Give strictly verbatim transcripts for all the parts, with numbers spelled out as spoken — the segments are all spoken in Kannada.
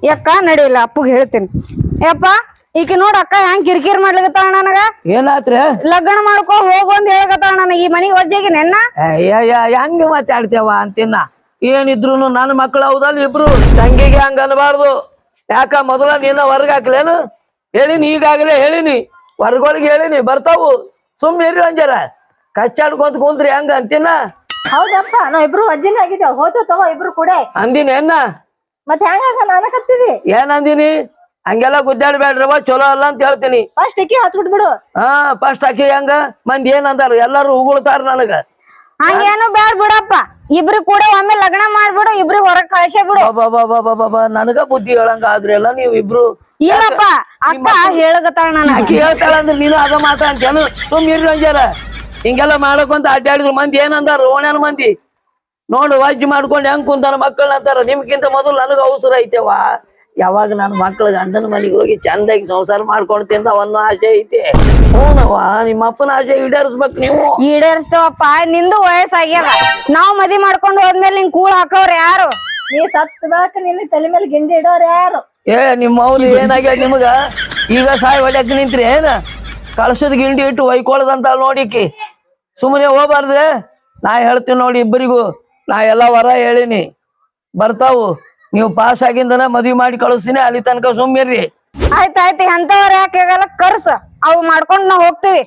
ಯಾಕ ನಡಿಲ್ಲ ಅಪ್ಪಗ್ ಹೇಳ್ತೀನಿ. ಯಪ್ಪ ಈಕಿ ನೋಡ ಅಕ್ಕ ಹೆಂಗ್ ಕಿರಿಕಿರಿ ಮಾಡ್ಲಿಕತ್ತಾಳ ನನಗ. ಏನಾತ್ರಿ? ಲಗ್ನ ಮಾಡ್ಕೊ ಹೋಗು ಅಂತ ಹೇಳಕತ್ತಾಳ ನನಗ. ಈ ಮನಿಗ್ ಒಜ್ಜಾಗಿ ನೆನ್ನ ಹೆಂಗ ಮಾತಾಡ್ತೇವ ಅಂತಿನ್ನ. ಏನಿದ್ರು ನನ್ನ ಮಕ್ಳು ಹೌದಲ್ಲ ಇಬ್ರು. ತಂಗಿಗೆ ಹಂಗ ಅನ್ಬಾರ್ದು. ಯಾಕ ಮೊದಲ ನೀನ ಹೊರ್ಗ ಹಾಕ್ಲೇನು ಹೇಳಿನಿ. ಈಗಾಗಲೇ ಹೇಳಿನಿ, ಹೊರ್ಗೊಳಗೆ ಹೇಳಿನಿ ಬರ್ತಾವು. ಸುಮ್ನೆ ಇರಿ ಒಂಜಾರ ಕಚ್ಚಾಡ್ಕೊಂತ ಕುಂತ್ರಿ ಹೆಂಗ ಅಂತಿನ. ಹೌದಪ್ಪ ನಾವ್ ಇಬ್ರು ಅಜ್ಜಿನ ಆಗಿದ್ದೇವ್. ಹೋತು ತಗೋ ಇಬ್ರು ಕೂಡ. ಅಂದಿನಿ ಏನ ಮತ್ ಹೆಂಗ ನಾನಕತ್ತಿದಿ? ಏನ್ ಅಂದಿನಿ? ಹಂಗೆಲ್ಲ ಗುದ್ದಾಡ್ಬೇಡ್ರವ, ಚಲೋ ಅಲ್ಲ ಅಂತ ಹೇಳ್ತೀನಿ. ಫಸ್ಟ್ ಅಕ್ಕಿ ಹಚ್ಬಿಟ್ಬಿಡು. ಹಾ ಫಸ್ಟ್ ಆಕಿ ಹೆಂಗ ಮಂದಿ ಏನ್ ಅಂದಾರ ಎಲ್ಲಾರು ಉಗುಳ್ತಾರ ನನಗ. ಹಂಗೇನು ಬ್ಯಾಡ್ ಬಿಡಪ್ಪ. ಇಬ್ರು ಕೂಡ ಒಮ್ಮೆ ಲಗ್ನ ಮಾಡ್ಬಿಡು, ಇಬ್ರಿಗೆ ಹೊರಗ್ ಕಳ್ಸೇ ಬಿಡು. ಬಾಬಾ ನನಗ ಬುದ್ಧಿ ಹೇಳಂಗ ಆದ್ರಲ್ಲ ನೀವು ಇಬ್ರು. ಇಲ್ಲಪ್ಪ ಅಕ್ಕ ಹೇಳಕತ್ತಾಳ ನನಗ. ಆಕಿ ಹೇಳ್ತಾಳ ಅಂದ್ರೆ ನೀನು ಅದ ಮಾತ ಅಂತೇನು? ಸುಮ್ ಇರ್ರಿ ಅಂಜಾರ. ಹಿಂಗೆಲ್ಲ ಮಾಡಕೊಂತ ಅಡ್ಡಾಡಿದ್ರು ಮಂದಿ ಏನಂದಾರ? ಓಣ್ಯಾನ ಮಂದಿ ನೋಡು ವಜ್ಜಿ ಮಾಡ್ಕೊಂಡು ಹೆಂಗ್ ಕುಂತಾನ ಮಕ್ಕಳನ್ನ ಅಂತಾರ. ನಿಮ್ಗಿಂತ ಮೊದಲು ನನಗ ಅವಸರ ಐತೆವಾ. ಯಾವಾಗ ನನ್ನ ಮಕ್ಳ ಗಂಡನ ಮನೆಗೆ ಹೋಗಿ ಚಂದಾಗಿ ಸಂಸಾರ ಮಾಡ್ಕೊಂಡು ತಿಂದ ಅವನ್ನ ಆಸೆ ಐತೆ. ಹ್ಞೂನವ್ವ, ನಿಮ್ಮ ಅಪ್ಪನ ಆಸೆ ಈಡೇರಿಸ್ಬೇಕು ನೀವು. ಈಡೇರಿಸ್ತೇವಪ್ಪ, ನಿಂದು ವಯಸ್ಸಾಗ್ಯದ. ನಾವ್ ಮದಿ ಮಾಡ್ಕೊಂಡು ಹೋದ್ಮೇಲೆ ನಿಂಗ್ ಕೂಳ್ ಹಾಕೋರ್ ಯಾರು? ನೀ ಸತ್ ಬಾಕ ನಿನ್ನ ತಲೆ ಮೇಲೆ ಗಿಂಡಿ ಇಡೋರ್ ಯಾರು? ಏ ನಿಮ್ಮ ಅವ್ರು ಏನಾಗ್ಯದ ನಿಮಗ? ಈಗ ಸಾಯಿ ಹೊಡ್ಯಾಕ ನಿಂತ್ರಿ ಏನ? ಕಳ್ಸದ್ ಗಿಂಡಿ ಇಟ್ಟು ಒಯ್ಕೊಳದಂತ ನೋಡಿಕಿ ಸುಮ್ಮನೆ ಹೋಗ್ಬಾರ್ದ್ರೆ. ನಾ ಹೇಳ್ತೀನಿ ನೋಡಿ ಇಬ್ಬರಿಗೂ. ನಾ ಎಲ್ಲಾ ವರ ಹೇಳಿನಿ, ಬರ್ತಾವು. ನೀವು ಪಾಸ್ ಆಗಿಂದನ ಮದ್ವಿ ಮಾಡಿ ಕಳಿಸ್ತೀನಿ. ಅಲ್ಲಿ ತನಕ ಸುಮ್ಮಿರ್ರಿ. ಆಯ್ತಾಯ್ತು, ಎಂತವ್ರ ಯಾಕೆ ಆಗಲ್ಲ ಕರ್ಸ, ಅವು ಮಾಡ್ಕೊಂಡ್ ನಾವ್ ಹೋಗ್ತಿವಿ.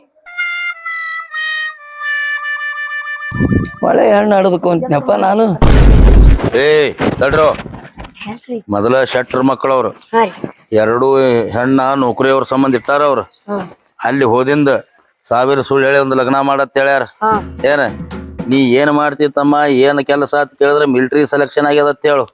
ಒಳ್ಳೆ ಹೆಣ್ಣು ಹಡ್ದಕೊಂತನಪ್ಪ ನಾನು. ಏ ತಡ್ರೋ, ಮೊದಲ ಶೆಟ್ರ್ ಮಕ್ಕಳವ್ರು ಎರಡು ಹೆಣ್ಣ ನೌಕರಿಯವ್ರ ಸಂಬಂಧ ಇಟ್ಟಾರ ಅವ್ರು. ಅಲ್ಲಿ ಹೋದಿಂದ ಸಾವಿರ ಸುಳ್ಳು ಹೇಳಿ ಒಂದು ಲಗ್ನ ಮಾಡತ್ ಹೇಳ್ಯಾರ. ಏನ ನೀ ಏನ್ ಮಾಡ್ತಿ ತಮ್ಮ, ಏನ್ ಕೆಲಸ ಅಂತ ಕೇಳಿದ್ರೆ ಮಿಲಿಟರಿ ಸೆಲೆಕ್ಷನ್ ಆಗ್ಯದ ಹೇಳು.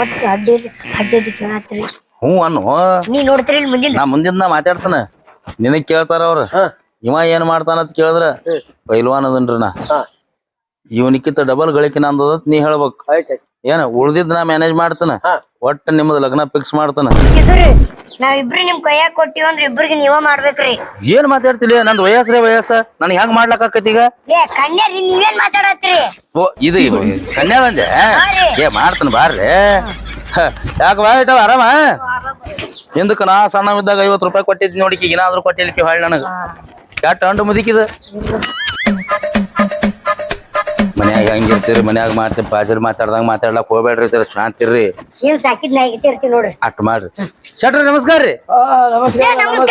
ಹ್ಞೂ ಅನ್ನು ನಾ ಮುಂದಿನ ನಾ ಮಾತಾಡ್ತಾನ. ನಿನಗ್ ಕೇಳ್ತಾರ ಅವ್ರ ಇವ ಏನ್ ಮಾಡ್ತಾನ ಅಂತ ಕೇಳಿದ್ರ ಪೈಲ್ವಾನ್ ಅದನ್ರಿ ನಾ. ಇವನಿಕ್ಕಿಂತ ಡಬಲ್ ಗಳಿಕಿನ ಅಂದದ ನೀ ಹೇಳ್ಬೇಕು. ಏನ ಉಳ್ದಿದ್ ನಾ ಮ್ಯಾನೇಜ್ ಮಾಡ್ತಾನ. ಒಟ್ಟ ನಿಮ್ಮದ್ ಲಗ್ನ ಫಿಕ್ಸ್ ಮಾಡ್ತಾನ. ನಾವಿಬ್ರು ನಿಮ್ ಕೈಯಾಗ ಕೊಟ್ಟಿವ್ ಅಂದ್ರ ಇಬ್ರಿಗೆ ನೀವ ಮಾಡ್ಬೇಕ್ರಿ. ಏನ್ ಮಾತಾಡ್ತಿಲಿ? ನಂದ್ ವಯಸ್ಸ್ರೇ ವಯಸ್ಸ, ನನ್ ಹೆಂಗ್ ಮಾಡ್ಲಕ್ ಆಕತಿ ಈಗ? ಏ ಕನ್ಯಾರಿ ನೀವೇನ್ ಮಾತಾಡತ್ರಿ? ಓ ಇದು ಕನ್ಯಾ ಬಂದೆ. ಏ ಮಾಡ್ತಾನ ಬಾರ್ರಿ. ಯಾಕ ಬಾ ಇಟ್ಟವ ಆರಾಮ? ಹಿಂದಕ್ ನಾ ಸಣ್ಣವಿದ್ದಾಗ ಐವತ್ ರೂಪಾಯಿ ಕೊಟ್ಟಿದ್ ನೋಡಿಕಿ ಏನಾದ್ರು ಕೊಟ್ಟಿಲಿಕ್ಕೆ ಹೊಳ್ ನನಗ ಯಾಟ್ ಅಂಡು ಮುದಿಕಿದ. ಮನ್ಯಾಗ ಹೆಂಗಿರ್ತೀರಿ? ಮನ್ಯಾಗ ಮಾಡ್ತೀರಿ ಬಾಜರ್ ಮಾತಾಡ್ದಂಗ ಮಾತಾಡ್ಲಕ್ ಹೋಗ್ಬೇಡ್ರಿ, ಶಾಂತಿರ್ರಿ. ಸಾಕಿದ್ ನಾಯಿಗೆ ಇರ್ತೀವಿ ನೋಡ್ರಿ. ಅಟ್ ಮಾಡ್ರಿ. ಶೆಟ್ರಿ ನಮಸ್ಕಾರ ರೀ. ನಮಸ್ಕಾರ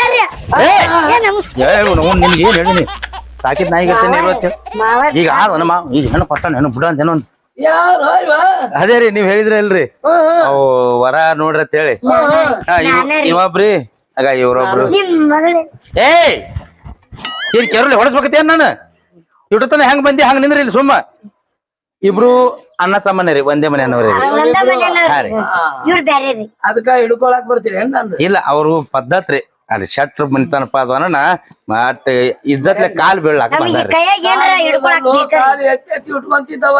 ನಿಮ್ಗೆ ಏನ್ ಹೇಳಿನಿ? ಸಾಕಿದ್ ನಾಯಿಗೆ ಈಗ ಆದ ಮಾವ ಈಗ ಹೆಣ್ಣು ಕೊಟ್ಟಾನ ಹೆಣ್ಣು ಬಿಡ ಅಂತ ಏನೋ ಅದೇ ರೀ ನೀವ್ ಹೇಳಿದ್ರಿ ಅಲ್ರಿ ಅವು ವರ ನೋಡ್ರಿ ಅಂತ ಹೇಳಿ. ಇವೊಬ್ರಿ ಆಗ ಇವ್ರೊಬ್ರು. ಏ ಏನ್ ಕೆರಳಿ ಹೊಡಸ್ಬೇಕತ್ತೇನ್ ನಾನು? ಇಟ್ಟತನ ಹೆಂಗ್ ಬಂದಿ ಹಂಗ ನಿಂದ್ರಿ ಇಲ್ಲಿ ಸುಮ್ಮ. ಇಬ್ರು ಅಣ್ಣ ತಮ್ಮನೇ ರೀ, ಒಂದೇ ಮನೆ ಅನ್ನೋರಿ. ಅದಕ್ಕ ಹಿಡ್ಕೊಳಕ್ ಬರ್ತೀರಿ? ಇಲ್ಲ ಅವ್ರು ಪದ್ಧತ್ ರೀ. ಅಲ್ಲಿ ಶೆಟ್ರ್ ಮನಿತನಪ್ಪ ಅದನ್ನ ಮಟ್ ಇಜ್ಜತ್ಲೆ ಕಾಲ್ ಬೀಳಾಕ ಬಂದಾರ್ರಿ. ಇಟ್ಕೊಂತಿದ್ದವ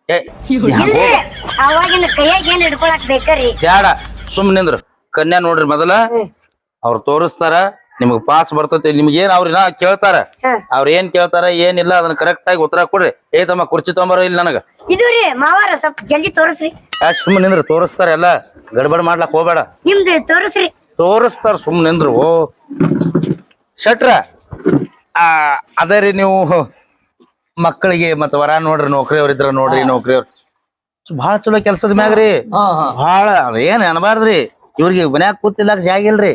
ಬ್ಯಾಡ ಸುಮ್ ನಿಂದ್ರು. ಕನ್ಯಾ ನೋಡ್ರಿ ಮೊದಲ ಅವ್ರು ತೋರಿಸ್ತಾರ, ನಿಮಗ್ ಪಾಸ್ ಬರ್ತೈತಿ. ನಿಮ್ಗೆ ಏನ್ ಅವ್ರ ಕೇಳ್ತಾರ, ಅವ್ರ ಏನ್ ಕೇಳ್ತಾರ ಏನಿಲ್ಲ ಅದನ್ನ ಕರೆಕ್ಟ್ ಆಗಿ ಉತ್ತರ ಕೊಡ್ರಿ. ಏ ತಮ್ಮ ಕುರ್ಚಿ ತೊಂಬರ ಇಲ್ಲಿ ನನಗ ಇದ್ರಿ ಮಾವಾರ ಸ್ವಲ್ಪ ಜಲ್ದಿ ತೋರಿಸ್ರಿ. ಸುಮ್ ನಿಂದ್ರು, ತೋರಿಸ್ತಾರ ಎಲ್ಲ ಗಡ್ಬಡ್ ಮಾಡ್ಲಾಕ್ ಹೋಗ್ಬೇಡ. ನಿಮ್ದು ತೋರಿಸ್ರಿ. ತೋರಿಸ್ತಾರ ಸುಮ್ ನಿಂದ್ರು. ಓ ಶೆಟ್ರ ಆ ಅದೇ ರೀ ನೀವು ಮಕ್ಕಳಿಗೆ ಮತ್ತ ವರ ನೋಡ್ರಿ, ನೌಕರಿಯವ್ರ ಇದ್ರ ನೋಡ್ರಿ. ನೌಕರಿಯವ್ರ ಬಾಳ ಚಲೋ ಕೆಲ್ಸದ ಮ್ಯಾಗ್ರಿ. ಬಾಳ ಏನ್ ಅನ್ಬಾರ್ದ್ರಿ. ಇವ್ರಿಗೆ ಮನ್ಯಾಗ ಕೂತಿಲ್ಲಾಕ ಜಾಗ ಇಲ್ರಿ.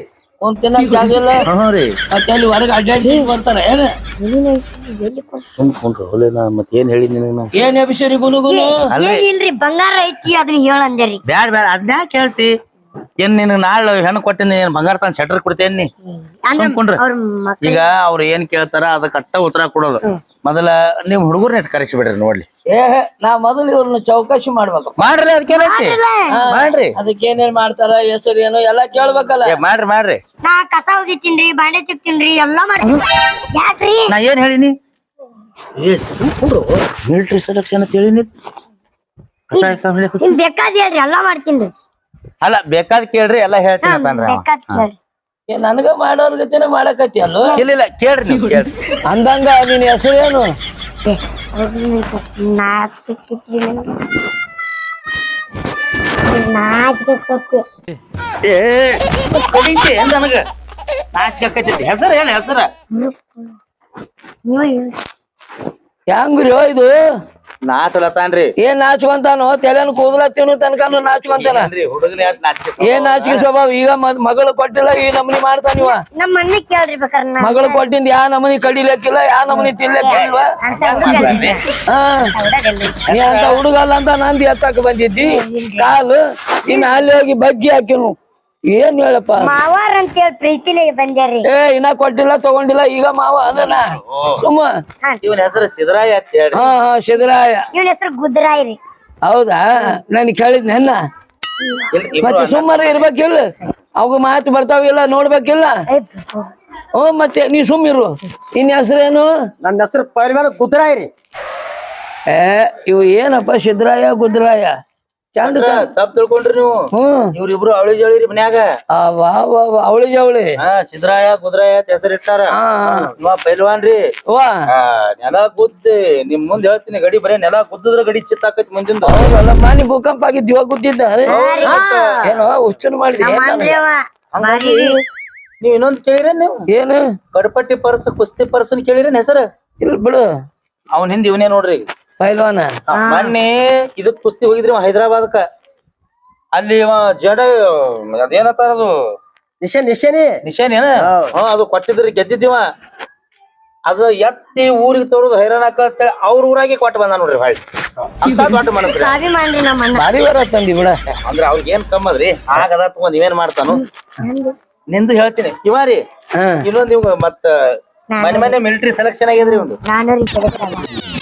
ಅಲ್ಲಿ ಹೊರಗೆ ಅಡ್ಡಾಡಿ ಬರ್ತಾರ ಏನ? ಮತ್ ಏನ್ ಹೇಳಿ ನಿನಗ? ಏನ್ ಅಭಿಷೇರಿ ಗುನುಗುನು ಇಲ್ರಿ ಬಂಗಾರ ಐತಿ ಅದನ್ನ ಹೇಳಂದೇರಿ. ಬ್ಯಾಡ ಬ್ಯಾಡ ಅದ್ನ್ಯಾ ಕೇಳ್ತಿ? ಏನ್ ನಿನ್ ನಾಳೆ ಹೆಣ್ಣು ಕೊಟ್ಟಿನಿ ಏನ್ ಬಂಗಾರ ತಂದ್ ಶೆಟ್ರ್ ಕೊಡ್ತೇನಿ? ಈಗ ಅವ್ರು ಏನ್ ಕೇಳ್ತಾರ ಅದ ಕಟ್ಟ ಉತ್ತರ ಕೊಡೋದು. ಮೊದಲ ನೀವ್ ಹುಡುಗರ್ನ ಇಟ್ ಕರೆಸಿ ಬಿಡ್ರಿ ನೋಡ್ಲಿ. ಏ ನಾ ಮೊದಲು ಇವ್ರನ್ನ ಚೌಕಾಶಿ ಮಾಡ್ಬೇಕು. ಮಾಡ್ರಿ ಅದಕ್ಕೇನೈತಿ ಮಾಡ್ರಿ. ಅದಕ್ಕೇನೇನ್ ಮಾಡ್ತಾರ, ಹೆಸರು ಏನು ಎಲ್ಲಾ ಕೇಳ್ಬೇಕಲ್ಲ. ಮಾಡ್ರಿ ಮಾಡ್ರಿ. ನಾ ಕಸ ಹೋಗಿತ್ತೀನ್ರಿ, ಬಾಂಡೆ ತಿಕ್ತೀನ್ರಿ, ಎಲ್ಲಾ ಮಾಡ್ತೀನಿ. ಯಾಕ್ರಿ? ನಾ ಏನ್ ಹೇಳಿನಿ? ಮಿಲಿಟರಿ ಸೆಲೆಕ್ಷನ್ ಅಂತ ಹೇಳಿನಿ. ನಿಮ್ ಬೇಕಾದ ಹೇಳ್ರಿ, ಎಲ್ಲಾ ಮಾಡ್ತೀನಿ. ಅಲ್ಲ ಬೇಕಾದ್ ಕೇಳ್ರಿ, ಎಲ್ಲಾ ಹೇಳ್ತೀನಿ. ನನಗ ಮಾಡೋರ್ ಗತಿನ ಮಾಡಕತ್ತಿ ಅಲ್ಲೋ? ಇಲ್ಲ ಇಲ್ಲ ಕೇಳ್ರಿ ನೀವು ಕೇಳ್ರಿ. ಅಂದಂಗ ನಿನ್ ಹೆಸರು ಏನು? ನಾಚ್ಬೇಕಿತ್ರಿ. ನಾಚಿಕೆ ಕೊಟ್ಟು ಏ ಕಡಿಕೆ ನನಗ ನಾಚಿಕೆ ಆಕೈತಿ ಹೆಸರು ಏನ್ ಹೆಸರ ನೀವು ಹೆಂಗ್ರಿ ಇದು ನಾಚಲತ್ತಾನ್ರಿ ಏನ್ ನಾಚ್ಕೊಂತಾನು ತಲೆನ ಕೂದಲ ತಿನ್ನು ತನಕನು ನಾಚ್ಕೊಂತಾನ ಹುಡುಗನ ಯಾಕೆ ನಾಚಿಕೆ ಏನ್ ನಾಚಿಕೆ ಸ್ವಭಾವ ಈಗ ಮತ್ ಮಗಳು ಕೊಟ್ಟಿಲ್ಲ ಈ ನಮನಿ ಮಾಡ್ತಾನಿವ ನಮ್ಮ ಅಣ್ಣ ಕೇಳ್ರಿ ಬೇಕಾರೆ ನಾ ಮಗಳು ಕೊಟ್ಟಿಂದ ಯಾ ನಮನಿ ಕಡಿಲಕ್ಕಿಲ್ಲ ಯಾ ನಮನಿ ತಿನ್ಲಕ್ಕಿಲ್ವ ಅಂತ ಹುಡುಗಲ್ರಿ ಹಾ ಹುಡುಗಲ್ರಿ ನೀ ಅಂತ ಹುಡುಗಲ್ಲ ಅಂತ ನಂದಿ ಎತ್ತಕ್ ಬಂದಿದ್ದಿ ಕಾಲು ಇನ್ನ ಅಲ್ಲಿ ಹೋಗಿ ಬಗ್ಗಿ ಹಾಕಿನು ಏನ್ ಹೇಳಪ್ಪ ಮಾವಾರ್ ಅಂತ ಹೇಳಿ ಪ್ರೀತಿಲೇ ಬಂದ್ಯಾರಿ ಏ ಇನ್ನ ಕೊಟ್ಟಿಲ್ಲ ತಗೊಂಡಿಲ್ಲ ಈಗ ಮಾವ ಅದನ ಸುಮ್ಮ ಇವನ್ ಹೆಸರು ಸಿದ್ದರಾಯ ಅಂತ ಹೇಳಿ ಹಾ ಹಾ ಸಿದ್ದರಾಯ ಇವನ ಹೆಸರು ಗುದ್ರಾಯ್ ರೀ ಹೌದಾ ನನ್ ಕೇಳಿದ್ ನೆನ್ನ ಮತ್ತೆ ಸುಮ್ಮನೆ ಇರ್ಬೇಕಿಲ್ಲ ಅವಾಗ ಮಾತು ಬರ್ತಾವಿಲ್ಲ ನೋಡ್ಬೇಕಿಲ್ಲ ಹ್ಞೂ ಮತ್ತೆ ನೀ ಸುಮ್ಮಿರು ಇನ್ ಹೆಸರೇನು ನನ್ನ ಹೆಸರು ಪೈಲ್ವಾನ ಗುದ್ರಾಯ್ ರೀ. ಏ ಇವು ಏನಪ್ಪ ಸಿದ್ದರಾಯ ಗುದ್ರಾಯ ಚಂದ ತಪ್ಪ ತಿಳ್ಕೊಂಡ್ರಿ ನೀವು ಹ್ಮ್ ಇವ್ರಿಬ್ರು ಅವಳಿ ಜಳಿರಿ ಮನ್ಯಾಗ ವಾ ವಾ ಅವಳಿ ಜವಳಿ ಹಾ ಸಿದ್ದರಾಯ ಗುದ್ರಾಯ ಅಂತ ಹೆಸರು ಇಟ್ಟಾರ ಹಾ ಇವ ಪೈಲ್ವಾನ್ ರೀ ವಾ ಆ, ನೆಲ ಗುದ್ದಿ ನಿಮ್ ಮುಂದ್ ಹೇಳ್ತೀನಿ ಗಡಿ ಬರೇ ನೆಲ ಗುದ್ದಿದ್ರ ಗಡಿ ಚಿತ್ತಾಕೈತಿ ಮುಂದಿಂದ ಹೌದಲ್ಲ ಮಾನಿ ಭೂಕಂಪ ಆಗಿದ್ ಇವಾಗ ಗುದ್ದಿದ್ದ ಏನೋ ಹುಚ್ಚನ್ ಮಾಡಿದೆ ಅಂದ್ರಿ ಅವ ಹಂಗಾಗಿ ನೀವ್ ಇನ್ನೊಂದ್ ಕೇಳಿರೇನ್ ನೀವು ಏನು ಕಡಪಟ್ಟಿ ಪರ್ಸ್ ಕುಸ್ತಿ ಪರ್ಸನ್ ಕೇಳಿರೇನ್ ಹೆಸರು ಇಲ್ಲ ಬಿಡು ಅವ್ನ ಹಿಂದ್ ಇವನೇ ನೋಡ್ರಿ ಈಗ. ಪೈಲ್ವಾನ ಆ, ಮೊನ್ನೆ ಇದಕ್ ಕುಸ್ತಿ ಹೋಗಿದ್ರಿ ಹೈದರಾಬಾದ್ಕ ಅಲ್ಲಿ ಇವ ಜಡ ಅದೇನತ್ತಾರ ಅದು ನಿಶೆ ನಿಶೆನಿ ನಿಶಾನ್ ಏನ ಹಾ ಅದು ಕೊಟ್ಟಿದ್ರಿ ಗೆದ್ದಿದ್ದೀವ ಅದು ಎತ್ತಿ ಊರಿಗೆ ತರೋದು ಹೈರಾಣ ಅಂತೇಳಿ ಅವ್ರ ಊರಾಗೆ ಕೊಟ್ಟು ಬಂದ ನೋಡ್ರಿ ಹೊಳ್ಳಿ ಅಂತ ದೊಡ್ಡ ಮನಸ್ರಿ ಸ್ವಾಭಿಮಾನ್ರಿ ನಮ್ಮ ಅಣ್ಣ ಭಾರಿ ಬರ ತಂದಿ ಬಿಡ ಅಂದ್ರ ಅವ್ರಿಗೆ ಏನ್ ಕಮ್ಮದ್ರಿ ಆಗದ ತಗೊಂಡ್ ನೀವೇನ್ ಮಾಡ್ತಾನು ನಿಂದು ಹೇಳ್ತೀನಿ ಇವಾರಿ ಹಾ ಇನ್ನೊಂದ್ ಇವ್ ಮತ್ತ ಮನೆ ಮನೆ ಮಿಲಿಟರಿ ಸೆಲೆಕ್ಷನ್ ಆಗ್ಯದ್ರಿ ಒಂದು ನಾನು ರೀ ಸೆಲೆಕ್ಟ್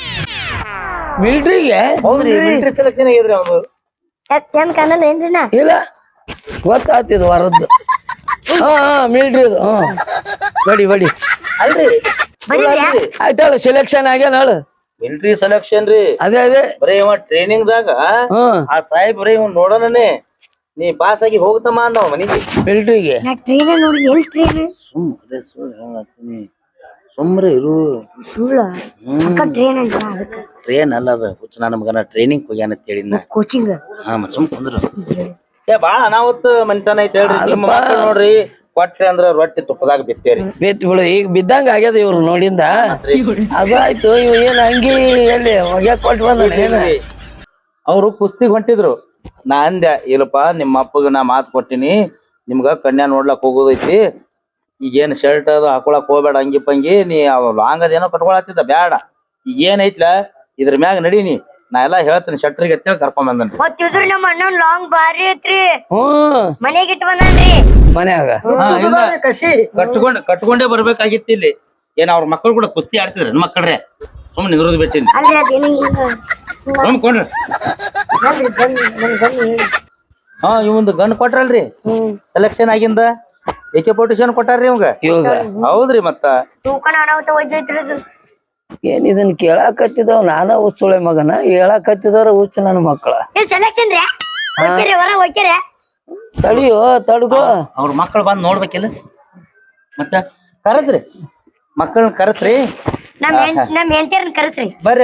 ಮಿಲ್ಟ್ರಿಗೆ ಹೌದ್ರಿ ಮಿಲಿಟರಿ ಸೆಲೆಕ್ಷನ್ ಆಗ್ಯದ್ರಿ ಅವ್ನು ಚಂದ ಕಾಣಲ್ಲ ಏನ್ರಿ ನಾ ಇಲ್ಲ ಗೊತ್ತಾಗ್ತಿದ್ ವರದ್ದು ಹಾ ಹಾ ಮಿಲ್ಟ್ರಿದು ಹ್ಮ್ ಬಡಿ ಬಡಿ ಅಲ್ರಿ ಆಯ್ತಾಳ ಸೆಲೆಕ್ಷನ್ ಆಗ್ಯಾನ ಹೇಳು ಮಿಲಿಟರಿ ಸೆಲೆಕ್ಷನ್ ರೀ ಅದೇ ಅದೇ ಬರೀ ಇವ ಟ್ರೈನಿಂಗ್ ದಾಗ ಹ್ಮ್ ಆ ಸಾಹೇಬ್ ಬರೀ ಇವ್ ನೋಡೋಣನೆ ನೀ ಪಾಸ್ ಆಗಿ ಹೋಗ್ತಮ್ಮ ಅಂದವ ಮನಿಗೆ ಮಿಲ್ಟ್ರಿಗೆ ನಾ ಟ್ರೈನ್ ನೋಡಿ ಎಲ್ ಟ್ರೈನ್ ಸುಮ್ರೆ ಸುಳ್ಳು ಹೇಳತ್ತೀನಿ ಸುಮ್ರೆ ಇರು ಸುಳ್ಳ ಅಕ್ಕ ಟ್ರೈನ್ ಅಂತ ಅದಕ್ಕೆ ಟ್ರೈನ್ ಅಲ್ಲ ಅದ ಹುಚ್ಚ ನನ್ನ ಮಗನ ಟ್ರೈನಿಂಗ್ ಹೋಗ್ಯಾನ ಅಂತ ಹೇಳಿ ನಾ ಕೋಚಿಂಗ್ ಹಾ ಮತ್ ಸುಮ್ ಕುಂದ್ರು ಏ ಬಾಳ ಅನಾವತ್ ಮನಿತನ ಐತಿ ಹೇಳ್ರಿ ನಿಮ್ಮ ಮಕ್ಕಳು ನೋಡ್ರಿ ಕೊಟ್ರಿ ಅಂದ್ರ ರೊಟ್ಟಿ ತುಪ್ಪದಾಗ ಬಿತ್ತೇರಿ ಬಿತ್ ಬಿಡು ಈಗ ಬಿದ್ದಂಗ ಆಗ್ಯದ ಇವ್ರು ನೋಡಿಂದ ಅದು ಆಯ್ತು ಇವ್ ಏನ್ ಅಂಗಿ ಎಲ್ಲಿ ಒಗ್ಯಾಕ್ ಕೊಟ್ಟು ಬಂದ ಏನ ಅವ್ರು ಕುಸ್ತಿಗ್ ಹೊಂಟಿದ್ರು ನಾ ಅಂದ್ಯ ಇಲ್ಲಪ್ಪ ನಿಮ್ಮ ಅಪ್ಪಗ ನಾ ಮಾತು ಕೊಟ್ಟಿನಿ ನಿಮ್ಗ ಕನ್ಯಾ ನೋಡ್ಲಕ್ ಹೋಗೋದೈತಿ ಈಗೇನ್ ಶರ್ಟ್ ಅದು ಹಾಕೊಳಕ್ ಹೋಗ್ಬೇಡ ಅಂಗಿ ಪಂಗಿ ನೀ ಲಾಂಗ್ ಅದೇನೋ ಕಟ್ಕೊಳತ್ತಿದ್ದ ಬ್ಯಾಡ ಈಗ ಏನೈತ್ಲ ಇದ್ರ ಮ್ಯಾಗ ನಡೀನಿ ನಾ ಎಲ್ಲಾ ಹೇಳ್ತೀನಿ ಶಟ್ರಿಗೆ ಅಂತೇಳಿ ಕರ್ಕೊಂಡ್ ಬಂದನ್ರಿ ಮತ್ತಿದ್ರು ನಮ್ಮ ಅಣ್ಣನ್ ಲಾಂಗ್ ಬಾರಿ ಐತ್ರಿ ಹ್ಮ್ ಮನೆಗೆ ಇಟ್ಟು ಬಂದನ್ರಿ ಮನ್ಯಾಗ ಹಾ, ಇಲ್ಲ. ಕಸಿ ಕಟ್ಕೊಂಡ್ ಕಟ್ಕೊಂಡೇ ಬರ್ಬೇಕಾಗಿತ್ತು ಇಲ್ಲಿ ಏನ್ ಅವ್ರ ಮಕ್ಕಳು ಕೂಡ ಕುಸ್ತಿ ಆಡ್ತಿದ್ರು ನನ್ನ ಮಕ್ಕಳ್ರೆ ಸುಮ್ಮನೆ ನಿರೋಧ ಬಿಟ್ಟಿನಿ ಅಲ್ರಿ ಅದೇನು ಹಿಂಗ ನಂಬ್ಕೊಂಡ್ರಿ ಅಲ್ರಿ ಬನ್ನಿ ನನ್ ಬನ್ನಿ ಹಾ ಇವಂದು ಗನ್ ಕೊಟ್ರಲ್ರಿ ಸೆಲೆಕ್ಷನ್ ಆಗಿಂದ ಏಕೆ ಪೊಟಿಷನ್ ಕೊಟ್ಟಾರ್ರಿ ಇವಂಗ ಇವಾಗ ಹೌದ್ರಿ ಮತ್ತ ತೂಕನ ಅನಾಹುತ ವೈದ್ಯತ್ರದು ಏನ್ ಇದನ್ ಕೇಳಾಕತ್ತಿದವ್ ನಾನ ಹುಚ್ಚುಳೆ ಮಗನ ಹೇಳಾಕತ್ತಿದವ್ರ ಹುಚ್ಚು ನನ್ನ ಮಕ್ಕಳ ಏ ಸೆಲೆಕ್ಷನ್ ರೀ ಹೋಗ್ತೀರಿ ಹೊರ ಹೋಗ್ತೀರಿ ತಡಿಯೋ ತಡ್ಗೋ ಅವ್ರ ಮಕ್ಕಳು ಬಂದ್ ನೋಡ್ಬೇಕಿಲ್ಲ ಮತ್ತ ಕರಸ್ರಿ ಮಕ್ಕಳನ್ನ ಕರಸ್ರಿ ನಮ್ ಹೆಣ್- ನಮ್ ಹೆಂಡತಿಯರನ್ನ ಕರೆಸ್ರಿ ಬರ್ರಿ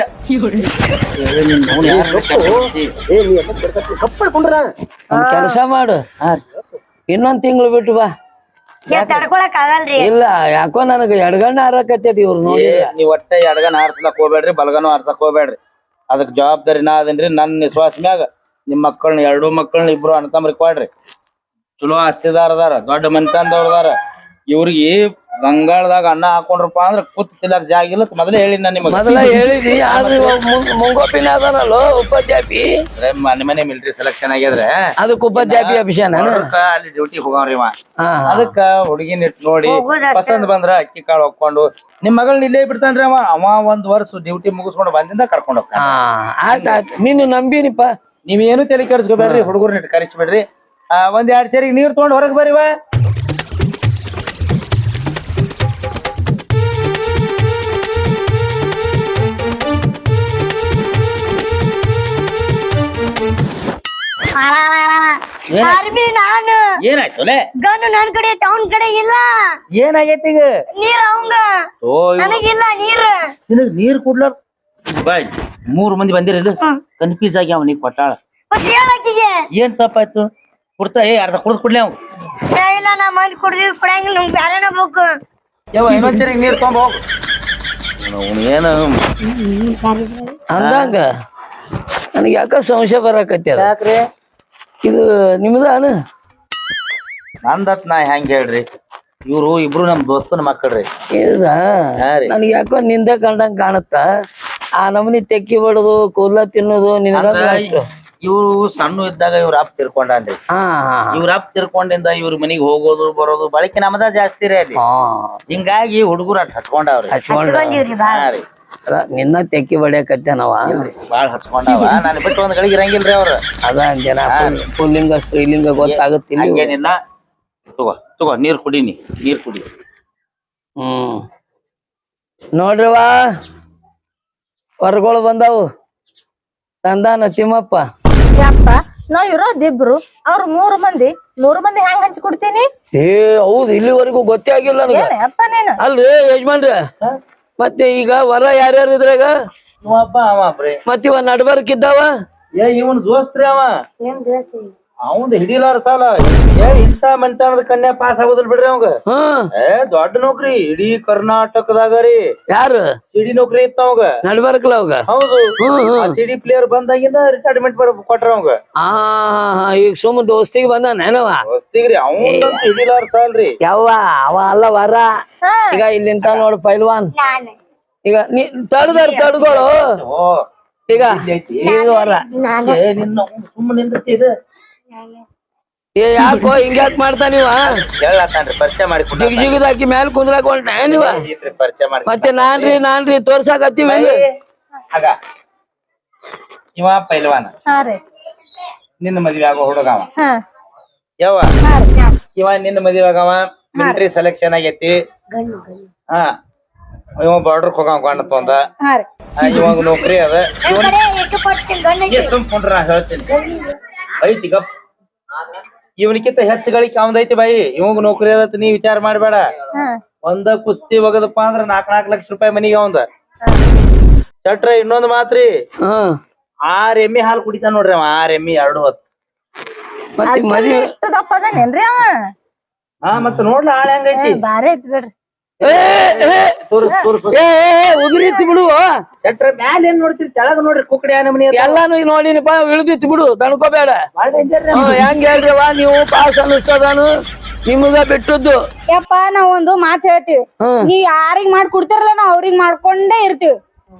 ಕಪ್ಪಡ್ಕೊಂಡ್ರ ಒಂದ್ ಕೆಲಸ ಮಾಡು ಹಾ. ಇನ್ನೊಂದ್ ತಿಂಗಳು ಬಿಟ್ಟು ಬಾ ಏ ತಡ್ಕೊಳಕ್ ಆಗಲ್ರಿ ಇಲ್ಲ ಯಾಕೋ ನನಗ ಎಡಗಣ್ಣ ಹಾರಕತ್ತೈತಿ ಇವ್ರು ನೋಡಿ ಏ, ನೀವ್ ಒಟ್ಟ ಎಡಗನ ಆರ್ಸ್ಲಕ್ ಹೋಗ್ಬೇಡ್ರಿ ಬಲಗನು ಆರ್ಸಕ್ ಹೋಗ್ಬೇಡ್ರಿ ಅದಕ್ ಜವಾಬ್ದಾರಿ ನಾ ಅದೇನ್ರಿ ನನ್ನ ವಿಶ್ವಾಸ ಮ್ಯಾಗ ನಿಮ್ ಮಕ್ಕಳನ್ನ ಎರಡು ಮಕ್ಕಳನ್ನ ಇಬ್ರು ಅನ್ಕಂಬ್ರಿ ಕೊಡ್ರಿ ಚಲೋ ಆಸ್ತಿದಾರ ಅದಾರ ದೊಡ್ಡ ಮನ್ತಂದವ್ರ ಅದಾರ ಇವ್ರಿಗೆ ಗಂಗಾಳದಾಗ ಅನ್ನ ಹಾಕೊಂಡ್ರಪ್ಪ ಅಂದ್ರ ಕೂತ್ ತಿಲ್ಲಕ್ ಜಾಗ ಇಲ್ಲ ಮೊದಲೇ ಹೇಳಿ ನಾ ನಿಮಗ ಮೊದಲ ಹೇಳಿದಿ ಆದ್ರೆ ಇವಾಗ ಮುಂದ್ ಮುಂಗೋಪಿನ ಅದಾನಲ್ಲೋ ಉಪಾಧ್ಯಾಪಿ ಅಂದ್ರೆ ಮನೆ ಮನೆ ಮಿಲಿಟರಿ ಸೆಲೆಕ್ಷನ್ ಆಗ್ಯದ್ರೆ ಅದಕ್ಕೆ ಉಪಾಧ್ಯಾಪಿ ಅಭಿಷೇಕ ಅದಕ್ಕ ಅಲ್ಲಿ ಡ್ಯೂಟಿ ಹೋಗವ್ರಿ ಇವ ಹಾ ಅದಕ್ಕ ಹುಡುಗಿನ ಇಟ್ ನೋಡಿ ಹೋಗೋದಷ್ಟೇ. ಪಸಂದ್ ಬಂದ್ರ ಅಕ್ಕಿ ಕಾಳು ಹಾಕೊಂಡು ನಿಮ್ ಮಗಳನ್ನ ಇಲ್ಲೇ ಬಿಡ್ತಾನ್ರಿ ಅವ ಅವ ಒಂದ್ ವರ್ಷ ಡ್ಯೂಟಿ ಮುಗಿಸ್ಕೊಂಡು ಬಂದಿಂದ ಕರ್ಕೊಂಡ್ ಹೋಗ್ತಾನ ಹಾ ಆಯ್ತ ಆಯ್ತು ನೀನು ನಂಬಿನಿಪ್ಪ ನೀವೇನು ತಲೆ ಕೆಡಿಸ್ಕೋಬೇಡ್ರಿ ಹುಡುಗರ್ನ ಇಟ್ಟು ಕರೆಸ್ಬೇಡ್ರಿ ಆ ಒಂದ್ ಎರಡ್ ಸೇರಿಗೆ ನೀರ್ ತಗೊಂಡ್ ಹೊರಗ್ ಬರೀವ ಆರ್ಮಿ ನಾನು ಏನಾಯ್ತು ಲೇ ಗನ್ನು ನನ್ ಕಡೆ ಐತೆ ಅವನ್ ಕಡೆ ಇಲ್ಲ ಏನಾಗೈತಿ ಈಗ ನೀರ್ ಅವಂಗ ಓ ನನಗಿಲ್ಲ ನೀರ್ ನಿನಗ್ ನೀರ್ ಕುಡ್ಲಾರ ಬಾಯ್ ಮೂರ್ ಮಂದಿ ಬಂದಿರಲ್ಲ ಕನ್ಫ್ಯೂಸ್ ಆಗಿ ಅವನಿಗೆ ಕೊಟ್ಟಾಳ ಮತ್ ಹೇಳಕ್ಕಿಗೆ ಏನ್ ತಪ್ಪಾಯ್ತು ಕುಡ್ತಾ ಏ ಅರ್ಧ ಕುಡ್ದು ಕುಡ್ಲಿ ಅವ್ ಏ, ಇಲ್ಲ ನಾ ಮಂದಿ ಕುಡ್ದಿ ಕುಡಂಗಿಲ್ಲ ನಮ್ಗೆ ಬ್ಯಾರೆನ ಬೇಕು. ಯಾವ ಇನ್ನೊಂದ್ಸರಿ ನೀರ್ ತೊಗೊಂಡ್ ಹೋಗು ಅವ್ನು ಏನು ಅಂದಂಗ ನನಗೆ ಯಾಕ ಸಂಶಯ ಬರಾಕತ್ಯಾರ ಯಾಕ್ರಿ ಇದು ನಿಮ್ದಾನ ನಂದತ್ ನಾ ಹೆಂಗ್ ಹೇಳ್ರಿ ಇವ್ರು ಇಬ್ರು ನಮ್ ದೋಸ್ತನ ಮಕ್ಕಳ್ರಿ ಇದ ಹಾ ರೀ. ನನಗೆ ಯಾಕೋ ನಿಂದ ಕಂಡಂಗ್ ಕಾಣುತ್ತ ಆ ನಮನಿ ತೆಕ್ಕಿ ಬಡದು ಕೂದ್ಲ ತಿನ್ನೋದು ನಿನಗ ಅಷ್ಟು ಇವ್ರು ಸಣ್ಣ ಇದ್ದಾಗ ಇವ್ರ ಅಪ್ಪ ತಿರ್ಕೊಂಡಾನ್ರಿ ಹಾ ಹಾ ಇವ್ರ ಅಪ್ಪ ತಿರ್ಕೊಂಡಿಂದ ಇವ್ರ ಮನಿಗ್ ಹೋಗೋದು ಬರೋದು ಬಳಕೆ ನಮ್ದ ಜಾಸ್ತಿ ರೀ ಅಲ್ಲಿ ಹಾ ಹಿಂಗಾಗಿ ಹುಡುಗರು ಅಟ್ ಹಚ್ಕೊಂಡಾವ್ರಿ ಹಚ್ಕೊಂಡ ಬಂದೀವ್ರಿ ಬಾ. ಹಾ ರೀ ಅದ ನಿನ್ನ ತೆಕ್ಕಿ ಬಡಿಯಕತ್ತೇನವ ಬಾಳ್ ಹಚ್ಕೊಂಡಾವ ನಾನು ಬಿಟ್ಟು ಒಂದ್ ಗಳಿಗೆ ಇರಂಗಿಲ್ರಿ ಅವ್ರ ಅದ ಅಂದೇನ ಪುಲ್ಲಿಂಗ ಸ್ತ್ರೀಲಿಂಗ ಗೊತ್ತಾಗುತ್ತಿಲ್ಲ ಹಂಗೇನಿಲ್ಲ ತಗೋ ತಗೋ ನೀರ್ ಕುಡೀನಿ ನೀರ್ ಕುಡಿ ಹ್ಮ್ ನೋಡ್ರಿವಾ ಹೊರಗಳು ಬಂದಾವು ತಂದಾನ ತಿಮ್ಮಪ್ಪ ಯಪ್ಪ ನಾವ್ ಇರೋದಿಬ್ರು ಅವ್ರ ಮೂರು ಮಂದಿ ಮೂರು ಮಂದಿ ಹೆಂಗ್ ಹಂಚಿ ಕೊಡ್ತೀನಿ ಏ ಹೌದು ಇಲ್ಲಿವರೆಗೂ ಗೊತ್ತೇ ಆಗಿಲ್ಲ ನನಗ ಏನ್ ಅಪ್ಪ ನೀನು ಅಲ್ರಿ ಯಜಮಾನ್ರ ಮತ್ತೆ ಈಗ ವರ ಯಾರ್ಯಾರು ಇದ್ರಾಗ ಇವಪ್ಪ ಅವ ಬ್ರಿ ಮತ್ ಇವ ನಡ್ಬರ್ಕಿದ್ದಾವ ಏ ಇವನ್ ದೋಸ್ತ್ರಿ ಅವ ನಿಮ್ ದೋಸ್ತಿ ಅವಂದ್ ಹಿಡಿಲಾರ ಸಾಲ ಏ ಇಂತ ಮಂತಾನದ ಕನ್ಯಾ ಪಾಸ್ ಆಗೋದಿಲ್ ಬಿಡ್ರಿ ಅವಂಗ ಹ್ಮ್ ಏ ದೊಡ್ಡ ನೌಕರಿ ಇಡೀ ಕರ್ನಾಟಕದಾಗ ರೀ ಯಾರು ಸಿಡಿ ನೌಕರಿ ಇತ್ತ ಅವಂಗ ನಡ್ಬರ್ಕಲ್ಲ ಅವಾಗ ಹೌದು ಹ್ಮ್ ಹ್ಮ್ ಸಿಡಿ ಪ್ಲೇಯರ್ ಬಂದಾಗಿಂದ ರಿಟೈರ್ಮೆಂಟ್ ಕೊಟ್ರ ಅವಂಗ ಆ ಈಗ ಸುಮ್ಮ ದೋಸ್ತಿಗೆ ಬಂದ ನೆನವ ಹೊಸ್ತಿಗ್ರಿ ಅವಂದಂತ ಹಿಡಿಲಾರ ಸಾಲ್ರಿ ಯವ್ವ ಅವ ಅಲ್ಲ ವರ ಈಗ ಇಲ್ಲಿಂತ ನೋಡು ಪೈಲ್ವಾನ್ ನಾನು ಈಗ ನೀ ತಡ್ದಾರ ತಡ್ಗಳು ಓ ಈಗ ಇದು ವರ ಏ ನಿನ್ನ ಸುಮ್ಮನೆ ನಿಂದತಿ ಇದು ಏ ಯಾಕೋ ಹಿಂಗ್ಯಾಕ್ ಮಾಡ್ತಾ ನೀವ ಹೇಳತ್ತಾನ್ರಿ ಪರಿಚಯ ಮಾಡಿ ಜಿಗ್ ಜಿಗದ್ ಹಾಕಿ ಮ್ಯಾಲ ಕುಂದ್ರಾಕ ಹೊಂಟ ನೀವ ಪರಿಚಯ ಮಾಡಿ ಮತ್ತೆ ನಾನ್ರಿ ನಾನ್ರಿ ತೋರ್ಸಾಕತ್ತೀವಿ ಇಲ್ಲಿ. ಆಗ ಇವ ಪೈಲ್ವಾನ ಹಾ ರೀ ನಿನ್ನ ಮದ್ವೆ ಆಗೋ ಹುಡುಗವ ಹಾ ಯಾವ ಇವ ನಿನ್ನ ಮದ್ವೆ ಆಗವ ಮಿಲಿಟರಿ ಸೆಲೆಕ್ಷನ್ ಆಗೈತಿ ಗಂಡು ಗಂಡು ಹಾ ಇವ ಬಾರ್ಡರ್ ಹೋಗವ ಗಂಡ ತೊಂದ ಹಾ ರೀ ಇವಾಗ ನೌಕರಿ ಅದ ನಮ್ ಕಡೆ ಏಕ ಪರ್ಸೆಂಟ್ ಗಂಡ ಐತಿ. ಸುಮ್ಕೊಂಡ್ರ ನಾ ಹೇಳ್ತೀನಿ ಐತಿ ಗಪ್ ಇವನಿಕಿಂತ ಹೆಚ್ಚು ಗಳಿಕೆ ಅವಂದೈತಿ ಬಾಯಿ ಇವಂಗ ನೌಕರಿ ಅದತ್ ನೀ ವಿಚಾರ ಮಾಡ್ಬೇಡ ಹಾ ಒಂದ ಕುಸ್ತಿ ಒಗದಪ್ಪ ಅಂದ್ರ ನಾಕ್ ನಾಕ್ ಲಕ್ಷ ರೂಪಾಯಿ ಮನಿಗೆ ಅವಂದ ಚಟ್ರ ಇನ್ನೊಂದ್ ಮಾತ್ರಿ ಹ್ಮ್ ಆರ್ ಎಮ್ಮಿ ಹಾಲು ಕುಡಿತಾನ ನೋಡ್ರಿ ಅವ ಆರ್ ಎಮ್ಮಿ ಎರಡು ಹೊತ್ತು ಮತ್ತೆ ಮದ್ವಿ ಎಷ್ಟು ದಪ್ಪ ಅದಾನೇನ್ರಿ ಅವ ಹಾ ಮತ್ತ ನೋಡ್ಲ ಆಳ ಹೆಂಗೈತಿ ಬಾರಿ ಐತಿ ಬಿಡ್ರಿ ಏ ಏ, ತೋರ್ಸ್ ತೋರ್ಸ್ ಏ ಏ, ಉದುರಿತ್ತು ಬಿಡು ಚಟ್ರ ಮ್ಯಾಲ ಏನ್ ನೋಡ್ತೀರಿ ತೆಳಗ ನೋಡ್ರಿ ಕುಕ್ಕಡಿ ಆ ನಮನಿ ಎಲ್ಲಾನು ಈಗ ನೋಡಿನಪ್ಪ ಇಳ್ದಿತ್ತು ಬಿಡು ತಣ್ಕೋಬೇಡ ಹ್ಮ್ ಹೆಂಗ್ ಹೇಳ್ರಿವ ನೀವು ಪಾಸ್ ಅನ್ನಿಸ್ತದಾನು ನಿಮಗ ಬಿಟ್ಟದ್ದು ಯಪ್ಪ ನಾವ್ ಒಂದು ಮಾತ್ ಹೇಳ್ತೀವಿ ಹ್ಮ್ ನೀವ್ ಯಾರಿಗ್ ಮಾಡ್ ಕೊಡ್ತಿರಲ್ಲ ನಾವ್ ಅವ್ರಿಗ್ ಮಾಡ್ಕೊಂಡೇ ಇರ್ತೀವಿ.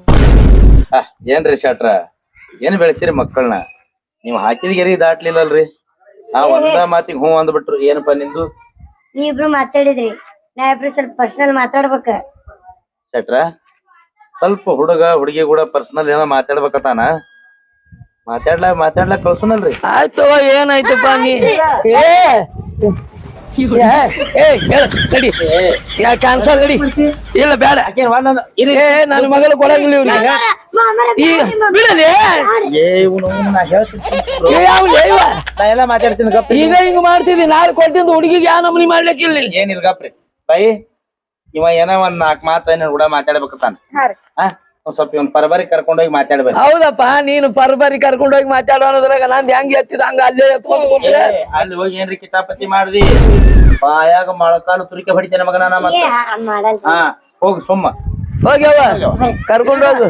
ಏನ್ರಿ ಶಟ್ರ ಏನ್ ಬೆಳೆಸಿರಿ ಮಕ್ಕಳನ್ನ ನೀವ್ ಹಾಕಿದ ಗೆರಿ ದಾಟ್ಲಿಲ್ಲಲ್ರಿ ಆ ಒಂದ ಮಾತಿಗೆ ಹ್ಞೂ ಅಂದ್ಬಿಟ್ರು ಏನಪ್ಪಾ ನಿಂದು ನೀವಿಬ್ರು ಮಾತಾಡಿದ್ರಿ ನಾ ಇಬ್ರು ಸ್ವಲ್ಪ ಪರ್ಸನಲ್ ಮಾತಾಡ್ಬೇಕ. ಶಟ್ರ ಸ್ವಲ್ಪ ಹುಡುಗ ಹುಡುಗಿ ಕೂಡ ಪರ್ಸನಲ್ ಏನೋ ಮಾತಾಡ್ಬೇಕತಾನ ಮಾತಾಡ್ಲಾ ಮಾತಾಡ್ಲಾ ಕಳ್ಸುನಲ್ರಿ ಆಯ್ತು ಏನಾಯ್ತಪ್ಪ ನೀ ಏ ಏ, ಏ ಹೇಳ ನಡಿ ಯಾ ಕ್ಯಾನ್ಸಲ್ ನಡಿ ಇಲ್ಲ ಬೇಡ ಏ ನನ್ನ ಮಗಳು ಕೊಡಂಗಿಲ್ಲ ಇವ್ರಿಗೆ ಈಗ ಬಿಡಲಿ ಏ ಇವ್ನು ನಾ ಹೇಳ್ತೀನಿ ಏ ಅವ್ನ್ ಏವ? ನಾ ಎಲ್ಲ ಮಾತಾಡ್ತೀನಿ ಗಪ್ಪ ಈಗ ಹಿಂಗ್ ಮಾಡ್ತಿದ್ದಿ ನಾಳೆ ಕೊಟ್ಟಿದ್ದು ಹುಡುಗಿಗೆ ಯಾವ ನಮನಿ ಮಾಡ್ಲಿಕ್ಕಿಲ್ಲ ಏನಿಲ್ಲ ಗಪ್ರಿ ಬಾಯಿ ಇವ ಏನೋ ಒಂದ್ ನಾಲ್ಕು ಮಾತ ಏನ ಕೂಡ ಮಾತಾಡ್ಬೇಕತ್ತಾನ ಹಾ ಒಂದ್ ಸ್ವಲ್ಪ ಇವ್ನ ಪರಬರಿ ಕರ್ಕೊಂಡೋಗಿ ಮಾತಾಡ್ಬೇಕು ಹೌದಪ್ಪ ನೀನು ಪರ್ಬರಿ ಕರ್ಕೊಂಡು ಹೋಗಿ ಮಾತಾಡೋದ್ರಾಗ ನಾನ್ ಹೆಂಗ್ ಎತ್ತಿದ ಹಂಗ ಅಲ್ಲೇ ಎತ್ಕೊಂಡು ಕುಂತ್ರೆ ಏ, ಅಲ್ಲಿ ಹೋಗಿ ಏನ್ರಿ ಕಿತಾಪತಿ ಮಾಡ್ದಿ ಬಾಯಾಗ ಮೊಳಕಾಲು ತುರಿಕೆ ಹೊಡಿತೇನೆ ಮಗನ ನಾ ಏ ಮತ್ತ ಹಂಗ್ ಮಾಡಲ್ಲ. ಹಾ ಹೋಗಿ ಸುಮ್ಮ ಹೋಗ್ಯವ ಕರ್ಕೊಂಡು ಹೋಗು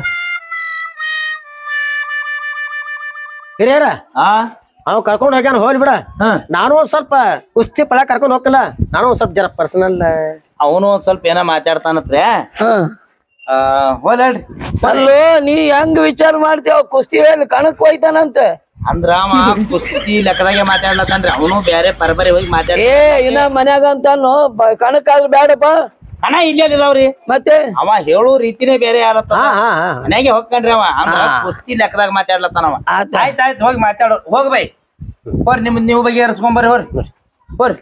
ಹಿರಿಯರ ಹಾ ಅವ್ ಕರ್ಕೊಂಡ್ ಹೋಗ್ಯಾನ ಹೋಗ್ಲಿ ಬಿಡ ಹಾ ನಾನು ಒಂದ್ ಸ್ವಲ್ಪ ಕುಸ್ತಿ ಪಳ ಕರ್ಕೊಂಡ್ ಹೋಗಲ್ಲ ನಾನು ಒಂದ್ ಸ್ವಲ್ಪ ಜರ ಪರ್ಸನಲ್ ಅವನು ಒಂದ್ ಸ್ವಲ್ಪ ಏನ ಮಾತಾಡ್ತಾನತ್ರೆ ಹ ಆ ಹೋಲ್ರಿ ಅಲ್ಲೋ ನೀ ಹೆಂಗ್ ವಿಚಾರ ಮಾಡ್ತೀವ ಕುಸ್ತಿ ಹೇಳಿ ಕಣಕ್ ಹೋಯ್ತಾನಂತ ಅಂದ್ರ ಅವ ಕುಸ್ತಿ ಲೆಕ್ಕದಾಗೆ ಮಾತಾಡ್ಲತ್ತಾನ್ರಿ ಅವನು ಬ್ಯಾರೆ ಪರಬರಿ ಹೋಗಿ ಮಾತಾಡ ಏ ಇನ್ನ ಮನ್ಯಾಗ ಅಂತಾನು ಕಣಕ್ ಆದ್ರೆ ಬೇಡಪ್ಪ ಹಣ ಇಲ್ಲೇ ಇದಾವ್ರಿ ಮತ್ತೆ ಅವ ಹೇಳೋ ರೀತಿನೇ ಬೇರೆ ಯಾರತ್ತ ಹಾ ಹಾ ಹಾ ಮನ್ಯಾಗೆ ಹೋಗ್ಕಂಡ್ರಿ ಅವ ಅಂದ್ರ ಹಾ. ಕುಸ್ತಿ ಲೆಕ್ಕದಾಗ ಮಾತಾಡ್ಲತ್ತಾನ ಅವ ಆತ. ಆಯ್ತ್ ಆಯ್ತ್ ಹೋಗಿ ಮಾತಾಡೋ ಹೋಗ್ ಬೈ ಹೋರಿ ನಿಮ್ ನೀವು ಬಗೆಹರಿಸ್ಕೊಂಬರ್ರಿ ಹೋರಿ ಹೋರಿ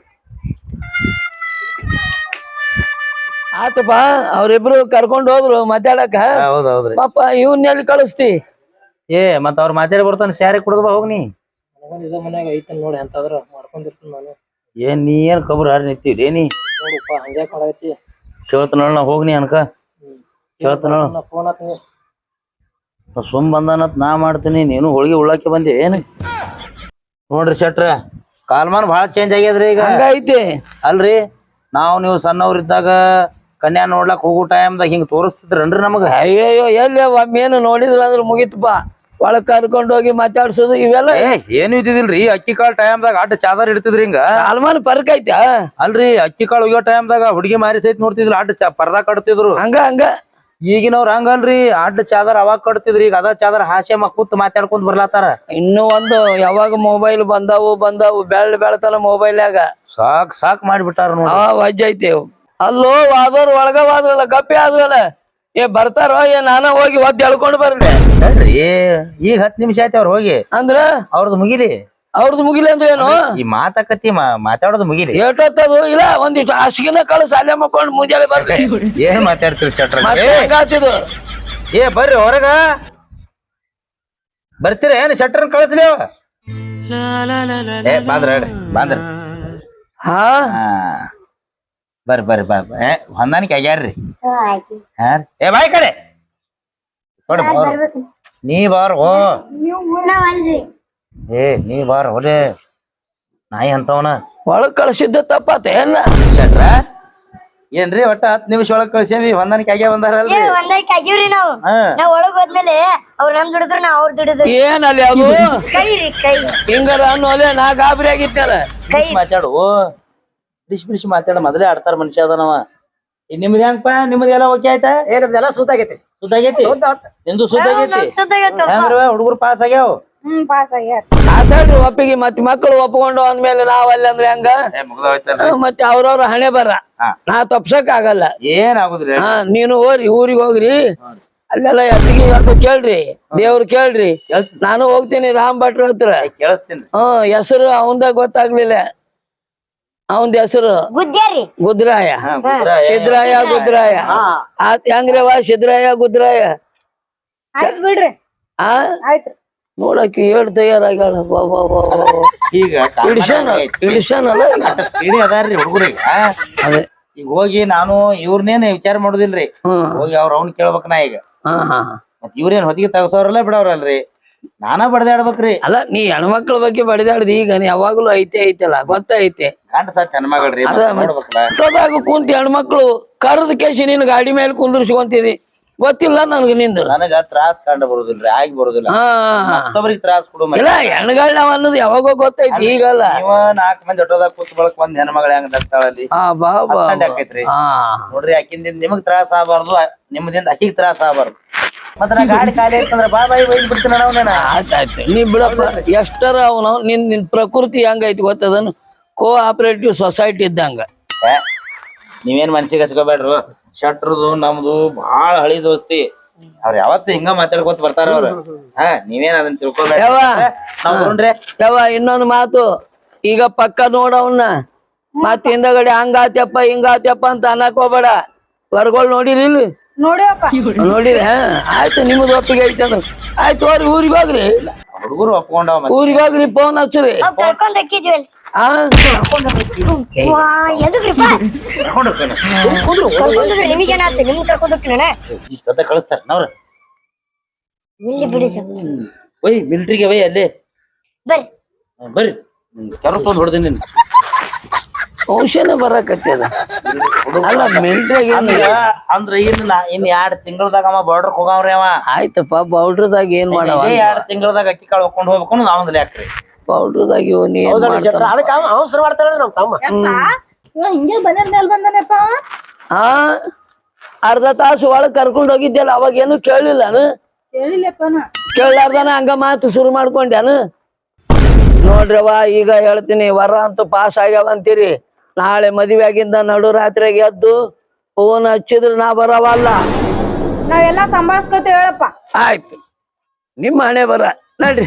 ಆತಪ್ಪ ಅವ್ರಿಬ್ರು ಕರ್ಕೊಂಡ್ ಹೋದ್ರು ಮಾತಾಡಕ ಹೌದ್ ಹೌದ್ರಿ ಪಾಪ ಇವನ್ ಎಲ್ಲಿ ಕಳಿಸ್ತಿ ಏ ಮತ್ತ ಅವ್ರ ಮಾತಾಡಿ ಬರ್ತಾನ ಚಾರಿ ಕುಡ್ದ ಬಾ ಹೋಗ್ ನೀ ಮನ್ಯಾಗ ಐತನ್ ನೋಡಿ ಎಂತಾದ್ರ ಮಾಡ್ಕೊಂಡಿರ್ತೀನಿ ನಾನು ಏನ್ ನೀ ಏನ್ ಕಬ್ರ ಹಾರಿ ನಿಂತೀವಿ ನೀ ನೋಡಪ್ಪ ಹಂಗ್ಯಾಕ್ ಮಾಡೈತಿ ಕೇಳ್ತ ನೋಡ ಹೋಗ್ನಿ ಅನ್ಕ ಕೇಳ್ತ ನೋಡ ಫೋನ್ ಆತ್ನಿ ಸುಮ್ ಬಂದಾನತ್ ನಾ ಮಾಡ್ತೀನಿ ನೀನು ಹೋಳಿಗೆ ಉಳ್ಳಾಕೆ ಬಂದೆ ಏನ್ ನೋಡ್ರಿ ಶೆಟ್ರ ಕಾಲ್ಮಾನ್ ಭಾಳ ಚೇಂಜ್ ಆಗ್ಯದ್ರಿ ಈಗ. ಹಂಗೈತಿ. ಅಲ್ರಿ ನಾವ್ ನೀವು ಸಣ್ಣವ್ರಿದ್ದಾಗ ಕನ್ಯಾ ನೋಡ್ಲಕ್ ಹೋಗೋ ಟೈಮ್ದಾಗ ಹಿಂಗ್ ತೋರಿಸ್ತಿದ್ರನ್ರಿ ನಮಗ. ಅಯ್ಯಯ್ಯೋ ಎಲ್ಲಿ ಒಮ್ಮೇನು ನೋಡಿದ್ರ ಅಂದ್ರ ಮುಗಿತಪ್ಪ. ಒಳಗ್ ಕರ್ಕೊಂಡ್ ಹೋಗಿ ಮಾತಾಡ್ಸೋದು ಇವೆಲ್ಲ ಏ ಏನು ಇದ್ದಿದಿಲ್ರಿ. ಅಕ್ಕಿ ಕಾಳು ಟೈಮ್ದಾಗ ಅಡ್ಡ ಚಾದರ್ ಇಡ್ತಿದ್ರಿ ಹಿಂಗ. ಅಲ್ಮಾನ್ ಪರ್ಕ್ ಐತಾ? ಅಲ್ರಿ ಅಕ್ಕಿ ಕಾಳು ಒಯ್ಯೋ ಟೈಮ್ದಾಗ ಹುಡುಗಿ ಮಾರಿ ಸಹಿತ ನೋಡ್ತಿದ್ರಿ ಅಡ್ಡ ಚಾ ಪರ್ದಾ ಕಟ್ತಿದ್ರು. ಹಂಗ ಹಂಗ ಈಗಿನವ್ರ ಹಂಗಲ್ರಿ ಅಡ್ಡ ಚಾದರ್ ಅವಾಗ ಕಟ್ತಿದ್ರಿ. ಈಗ ಅದ ಚಾದರ್ ಹಾಸ್ಯ ಮಕ್ಕೂತ್ ಮಾತಾಡ್ಕೊಂಡ್ ಬರ್ಲಾತಾರ. ಇನ್ನು ಒಂದು ಯಾವಾಗ ಮೊಬೈಲ್ ಬಂದಾವು ಬಂದಾವು ಬೆಳ್ ಬೆಳತನ ಮೊಬೈಲ್ಯಾಗ ಸಾಕ್ ಸಾಕ್ ಮಾಡಿಬಿಟ್ಟಾರ ನೋಡಿ. ಆ ವಜ್ಜ ಐತಿ. ಅಲ್ಲೋ ವಾದವ್ರ ಒಳಗ ವಾದ್ರಲ್ಲ ಗಪ್ಪಿ ಆದ್ರಲ್ಲ ಏ ಬರ್ತಾರೋ ಏ ನಾನ ಹೋಗಿ ಒದ್ ಎಳ್ಕೊಂಡ್ ಬರ್ಲಿ ಅಲ್ರಿ ಈಗ ಹತ್ ನಿಮಿಷ ಆಯ್ತು ಅವ್ರ ಹೋಗಿ. ಅಂದ್ರ ಅವ್ರದ್ದು ಮುಗಿಲಿ. ಅವ್ರದ್ದು ಮುಗಿಲಿ ಅಂದ್ರೆ ಏನು? ಈ ಮಾತಾಕತಿ ಮಾತಾಡೋದು ಮುಗಿಲಿ. ಏಟೊತ್ತದು ಇಲ್ಲ ಒಂದಿಷ್ಟು ಅಷ್ಟಿನ ಕಳ್ಸ ಅಲ್ಲೇ ಮಕ್ಕೊಂಡ್ ಮುಂಜಾನೆ ಬರ್ಲಿ. ಏನ್ ಮಾತಾಡ್ತೀರಿ ಶೆಟ್ರ? ಮತ್ತೆ ಹಂಗಾತಿದು. ಏ ಬರ್ರಿ ಹೊರಗ ಬರ್ತೀರ ಏನ್ ಶೆಟ್ರನ್ ಕಳಿಸ್ಲಿ? ಏ ಬಾಂದ್ರ ಹೇಳ್ರಿ ಬಾಂದ್ರ. ಹಾ ಹಾ ಬರ್ರಿ ಬರ್ರಿ ಬಾ ಏ ಹೊಂದಾಣಿಕೆ ಆಗ್ಯಾರ್ರಿ. ಹಾ ಏ ಬಾಯ್ ಕಡೆ ನೋಡ್ರಿ ನೀ ಬಾರ್ ಹೋ. ಏ ನೀ ಬಾರ್ ಹೋಲೆ ನಾಯಿ ಅಂತವನ ಒಳಗ್ ಕಳ್ಸಿದ್ದ ತಪ್ಪಾತ ಏನ ಶೆಟ್ರ? ಏನ್ರಿ ಒಟ್ಟ ಹತ್ ನಿಮಿಷ ಒಳಗ್ ಕಳ್ಸೇವಿ ಹೊಂದಾಣಿಕೆ ಆಗ್ಯಾವ ಬಂದಾರಲ್ರಿ. ಒಂದಕ್ಕೆ ಆಗಿವ್ರಿ ನಾವು ಹಾ ನಾವ್ ಒಳಗ್ ಹೋದ್ಮೇಲೆ ಅವ್ರ ನಮ್ ದುಡಿದ್ರು ನಾವ್ ಅವ್ರ ದುಡಿದ್ರು ಏನ್ ಅಲ್ಲಿ ಅದು ಕೈ ರೀ ಕೈ ಹಿಂಗಾರ ಅನ್ನೋಲೆ ನಾ ಗಾಬರಿ ಆಗಿತ್ತಲ್ಲ. ಕೈ ಮಾತಾಡು ಬಿಡಿಸಿ ಬಿಡಿಸಿ ಮಾತಾಡ ಮೊದಲೇ ಆಡ್ತಾರ ಮನುಷ್ಯ ಅದನವ. ಈಗ ನಿಮ್ದು ಹೆಂಗಪ್ಪ? ನಿಮ್ದು ಎಲ್ಲ ಓಕೆ ಆಯ್ತಾ? ಏ ನಮ್ದೆಲ್ಲ ಸೂತಾಗೈತಿ. ಸುದ್ದಾಗೈತಿ ನಿಂದು ಸುದ್ದಾಗೈತಿ. ಸುದ್ದಾಗೈತಪ್ಪ. ಹೆಂಗ್ರವ ಹುಡುಗರು ಪಾಸ್ ಆಗ್ಯಾವ? ಹ್ಮ್ ಪಾಸ್ ಆಗ್ಯಾರ. ಮಾತಾಡ್ರಿ ಒಪ್ಪಿಗೆ ಮತ್ ಮಕ್ಕಳು ಒಪ್ಕೊಂಡು ಅಂದ್ಮೇಲೆ ನಾವ್ ಅಲ್ಲಿ ಅಂದ್ರೆ ಹೆಂಗ? ಹ್ಮ್, ಮತ್ತೆ ಅವ್ರವ್ರ ಹಣೆ ಬರ ಹಾ. ನಾ ತಪ್ಸಕ್ ಆಗಲ್ಲ. ಏನ್ ಆಗುದ್ರಿ? ಹಾ ನೀನು ಹೋರಿ ಊರಿಗೆ ಹೋಗ್ರಿ ಅಲ್ಲೆಲ್ಲ ಎತ್ತಿಗೆ ಅದು ಕೇಳ್ರಿ ದೇವ್ರು ಕೇಳ್ರಿ. ನಾನು ಹೋಗ್ತೀನಿ ರಾಮ್ ಭಟ್ರ ಹತ್ರ. ಕೇಳಿಸ್ತೀನಿ. ಹ್ಮ್ ಹೆಸರು ಅವಂದ ಗೊತ್ತಾಗ್ಲಿಲ್ಲ. ಅವಂದ ಹೆಸರು ಗುದ್ದ್ಯಾರಿ ಗುದ್ರಾಯ ಹಾ, ಗುದ್ರಾಯ. ಸಿದ್ರಾಯ ಗುದ್ರಾಯ. ಆತ್ ಹೆಂಗ್ರವ ಸಿದ್ರಾಯ ಗುದ್ರಾಯ? ಆಯ್ತ್ ಬಿಡ್ರಿ ಆ ಆಯ್ತ್ರಿ. ನೋಡಕ್ಕೆ ಏಳ್ ತಯಾರಾಗ್ಯಾಳ. ಈಗ ಇಡಿಷನ್ ಇಡಿಷನ್ ಅಲ್ಲ ಸ್ಪೀಡಿ ಅದಾರ್ರಿ ಹುಡುಗರಿಗೆ. ಅದೇ ಈಗ ಹೋಗಿ ನಾನು ಇವ್ರನೇನ್ ವಿಚಾರ ಮಾಡುದಿಲ್ರಿ. ಹ್ಮ್ ಹೋಗಿ ಅವ್ರ ಅವ್ನ ಕೇಳ್ಬೇಕ ನಾ ಈಗ. ಹಾ ಹಾ ಮತ್ ಇವ್ರೇನ್ ಹೊತ್ತಿಗೆ ತಗಸೋರಲ್ಲ ಬಿಡವ್ರಲ್ರಿ. ನಾನ ಬಡ್ದಾಡ್ಬೇಕ್ರಿ. ಅಲ್ಲ ನೀ ಹೆಣ್ಮಕ್ಳ ಬಗ್ಗೆ ಬಡಿದಾಡ್ದಿ. ಈಗ ನೀ ಯಾವಾಗ್ಲೂ ಐತೆ ಐತಲ್ಲ ಗೊತ್ತೈತೆ. ಗಂಡ ಸಾತ್ ಹೆಣ್ಮಗಳ್ರಿ ಅದ ನೋಡ್ಬೇಕಲ್ಲ. ಮಟ್ಟದಾಗ ಕುಂತಿ ಹೆಣ್ಮಕ್ಳು ಕರ್ದ ಕೇಸಿ ನೀನ್ ಗಾಡಿ ಮೇಲೆ ಕುಂದರ್ಸ್ಕೊಂತಿದಿ ಗೊತ್ತಿಲ್ಲ ನನ್ಗ ನಿಂದು. ನನಗ ತ್ರಾಸ್ ಕಂಡು ಬರುದಿಲ್ರಿ ಆಗಿ ಬರುದಿಲ್ಲ. ಹಾ ಮತ್ತೊಬ್ರಿಗೆ ತ್ರಾಸ್ ಕೊಡು. ಇಲ್ಲ ಹೆಣ್ಗಳ್ ನಾವ್ ಅನ್ನೋದು ಯಾವಾಗೋ ಗೊತ್ತೈತಿ ಈಗಲ್ಲ. ನೀವ ನಾಲ್ಕ್ ಮಂದಿ ಹೊಟ್ಟೋದಾಗ ಕೂತ್ ಬಳಕ್ ಒಂದ್ ಹೆಣ್ಮಗಳ ಹೆಂಗ್ ದಕ್ತಾಳಲ್ಲಿ ಆ ಬಾ ಬಾ ಆಕೈತ್ರಿ. ಹಾ ನೋಡ್ರಿ ಆಕಿಂದಿಂದ ನಿಮಗ್ ತ್ರಾಸ ಆಗಬಾರ್ದು, ನಿಮ್ದಿಂದ ಅಕ್ಕಿಗ್ ತ್ರಾಸ ಆಗಬಾರ್ದು. ಮತ್ತ ನಾ ಗಾಡಿ ಖಾಲಿ ಐತಂದ್ರ ಬಾ ಬಾಯಿ ಬೈದ್ ಬಿಡ್ತೀನಿ ನಾವ್. ಆಯ್ತಾಯ್ತು ನೀ ಬಿಡಪ್ಪ. ಎಷ್ಟರ ಅವನು ನಿನ್ ನಿನ್ ಪ್ರಕೃತಿ ಹೆಂಗೈತಿ ಗೊತ್ತದನು? ಕೋ ಆಪರೇಟಿವ್ ಸೊಸೈಟಿ ಇದ್ದಂಗ. ನೀವೇನ್ ಮನ್ಸಿಗೆ ಹಚ್ಕೋಬೇಡ್ರು. ಶಟ್ರದು ನಮ್ದು ಬಾಳ ಹಳಿ ದೋಸ್ತಿ. ಅವ್ರ ಯಾವತ್ತು ಹಿಂಗ ಮಾತಾಡ್ಕೊತ ಬರ್ತಾರ ಅವ್ರ. ಹಾ ನೀವೇನ್ ಅದನ್ನ ತಿಳ್ಕೊಬೇಡ. ಯಾವ ನಾವ್ ನೋಡ್ರಿ ಯಾವ ಇನ್ನೊಂದು ಮಾತು ಈಗ ಪಕ್ಕ ನೋಡವನ್ನ ಮತ್ ಹಿಂದಗಡೆ ಹಂಗಾತ್ಯಪ್ಪ ಹಿಂಗಾತ್ಯಪ್ಪ ಅಂತ ಅನ್ನಕ್ ಹೋಗ್ಬೇಡ. ಹೊರಗಳು ನೋಡಿರಿ ಇಲ್ಲಿ ನೋಡಿವಪ್ಪ ನೋಡಿರಿ. ಹಾ ಆಯ್ತು ನಿಮ್ದು ಒಪ್ಪಿಗೆ ಐತೆ ಅಂದ್ರೆ ಆಯ್ತು ಹೋರಿ ಊರಿಗೆ ಹೋಗ್ರಿ. ಹುಡುಗರು ಒಪ್ಕೊಂಡವ. ಊರಿಗೆ ಹೋಗ್ರಿ ಫೋನ್ ಹಚ್ಚ್ರಿ. ನಾವ್ ಕರ್ಕೊಂಡ್ ಹಾಕಿದ್ವಿ ಅಲ್ಲಿ ಆ ವಾ ಎದಕ್ರಿಪ್ಪ ಕರ್ಕೊಂಡ್ರೆ ನಿಮಗೇನಾಯ್ತು? ನಿಮ್ಗೆ ಕರ್ಕೊಂಡ್ ಹೋಗ್ತೀನ ಸದ್ದ ಕಳಿಸ್ತಾರ ನಾವ್ರ. ಇಲ್ಲಿ ಬಿಡಿ ಸರ್ ಒಯ್ ಮಿಲಿಟ್ರಿಗೆ ಒಯ್ ಅಲ್ಲಿ ಬರ್ರಿ ಬರ್ರಿ ಕರ್ಕೊಂಡ್ ಬಂದ್ ಹೊಡ್ದೀನಿ ನಿನ್. ಔಷಧ ಬರಕತ್ತದ. ಅಲ್ಲ ಮಿಲ್ಟ್ರಿಯಾಗ ಅಂದ್ರ ಇನ್ ಇನ್ ಎರಡ್ ತಿಂಗಳದಾಗ ಅವ ಬಾರ್ಡರ್ ಹೋಗವ್ರಿ ಅವ. ಆಯ್ತಪ್ಪ ಪೌಡ್ರದಾಗ ಏನ್ ಮಾಡವ? ಎರಡ್ ತಿಂಗಳದಾಗ ಅಕ್ಕಿ ಕಾಳು ಹೊಕ್ಕೊಂಡ್ ಹೋಗ್ಬೇಕು ನಾವ್ ಯಾಕ್ರಿ ಪೌಡ್ರದಾಗ ಇವ್ ನೀ ಏನ್ ಮಾಡ್ತಾನ? ಅದಕ್ಕೆ ಅವಸರ ಮಾಡ್ತಾಳ ನಮ್ ತಮ್ಮ. ಇವ ಹಿಂಗೆ ಮನೇಲ್ ಮೇಲ್ ಬಂದಾನಪ್ಪ. ಆ ಅರ್ಧ ತಾಸು ಒಳಗ್ ಕರ್ಕೊಂಡ್ ಹೋಗಿದ್ಯಲ್ಲ ಅವಾಗ ಏನು ಕೇಳಿಲ್ಲ ಹೇಳಿಲ್ಲಪ್ಪನ. ಕೇಳಾರ್ದಾನ ಹಂಗ ಮಾತು ಶುರು ಮಾಡ್ಕೊಂಡ್ಯಾನು. ನೋಡ್ರವ ಈಗ ಹೇಳ್ತೀನಿ ವರ ಅಂತೂ ಪಾಸ್ ಆಗ್ಯಾವ ಅಂತೀರಿ. ನಾಳೆ ಮದುವೆ ಆಗಿಂದ ನಡು ರಾತ್ರಿಗೆ ಎದ್ದು ಫೋನ್ ಹಚ್ಚಿದ್ರ ನಾ ಬರವಲ್ಲ. ನಾವೆಲ್ಲಾ ಸಂಭಾಳ್ಸ್ಕೊತೇವ್ ಹೇಳಪ್ಪ. ಆಯ್ತು ನಿಮ್ಮ ಹಣೆ ಬರ ನಡ್ರಿ.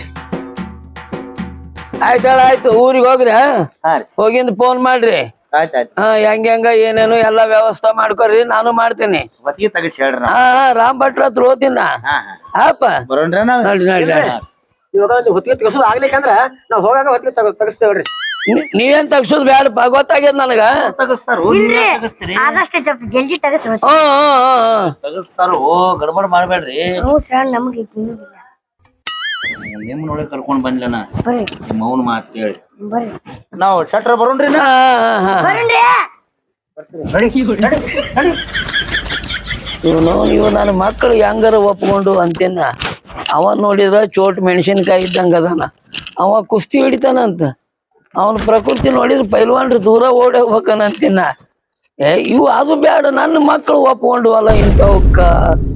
ಆಯ್ತಾಳ ಆಯ್ತು ಊರಿಗೆ ಹೋಗ್ರಿ. ಹಾ ರೀ ಹೋಗಿಂದ ಫೋನ್ ಮಾಡ್ರಿ. ಆಯ್ತಾಯ್ತು. ಹಾ ಹೆಂಗ ಹೆಂಗ ಏನೇನು ಎಲ್ಲಾ ವ್ಯವಸ್ಥೆ ಮಾಡ್ಕೊರಿ ನಾನು ಮಾಡ್ತೀನಿ. ಹೊತ್ತಿಗೆ ತಗಸಿ ಹೇಳ್ರಿ ನಾವ್. ಹಾ ಹಾ ರಾಮ್ ಭಟ್ರ ಹತ್ರ ಹೋತಿನ. ಹಾ ಹಾ ಆಪ ಬರೋಣ್ರಿ ನಾವ್. ನಡ್ರಿ ನಡ್ರಿ ನಡ್ರಿ. ಇವಾಗ ನೀವು ಹೊತ್ತಿಗೆ ತೆಗಸೋದು ಆಗ್ಲಿಕ್ಕಂದ್ರ ನಾವ್ ಹೋಗಾಗ ಹೊತ್ತಿಗೆ ತಗ ತೆಗಿಸ್ತೇವ್ರಿ. ನೀ- ನೀವೇನ್ ತಗ್ಸೋದ್ ಬ್ಯಾಡಪ್ಪ ಗೊತ್ತಾಗ್ಯದ ನನಗ. ತಗಸ್ತಾರ ತಗಸ್ತೀರಿ ಆದಷ್ಟು ಸ್ವಲ್ಪ ಜಲ್ದಿ ತಗಸ್ರಿ ಹ್ಮ್ ಹ್ಮ್ ಹ್ಮ್ ತಗಸ್ತಾರ. ಓ ಗಡ್ಬಡ್ ಮಾಡ್ಬೇಡ್ರಿ. ಹ್ಞೂ ಸರ್ ನಮ್ಗೆ ನಿಮ್ ನೋಡಿ ಕರ್ಕೊಂಡ್ ಬಂದ್ಲನ ಬರ್ರಿ ನಿಮ್ಮ ಅವನ ಮಾತು ಕೇಳಿ ಬರ್ರಿ ನಾವು ಶಟ್ರ ಬರೋಣ್ರಿ ನಾ ಇವನು ಇವ್ ನನ್ನ ಮಕ್ಕಳು ಹೆಂಗಾರ ಒಪ್ಕೊಂಡು ಅಂತೀನ. ಅವ ನೋಡಿದ್ರ ಚೋಟ್ ಮೆಣಸಿನ್ಕಾಯಿ ಇದ್ದಂಗ ಅದಾನ. ಅವ ಕುಸ್ತಿ ಹಿಡಿತಾನಂತ. ಅವನ ಪ್ರಕೃತಿ ನೋಡಿದ್ರ ಪೈಲ್ವಾನ್ರಿ ದೂರ ಓಡಿ ಹೋಗ್ಬೇಕನ ಅಂತೀನ. ಏ ಇವು ಅದು ಬೇಡ, ನನ್ನ ಮಕ್ಕಳು ಒಪ್ಕೊಂಡು ಅಲ್ಲ ಇಂಥವಕ್ಕ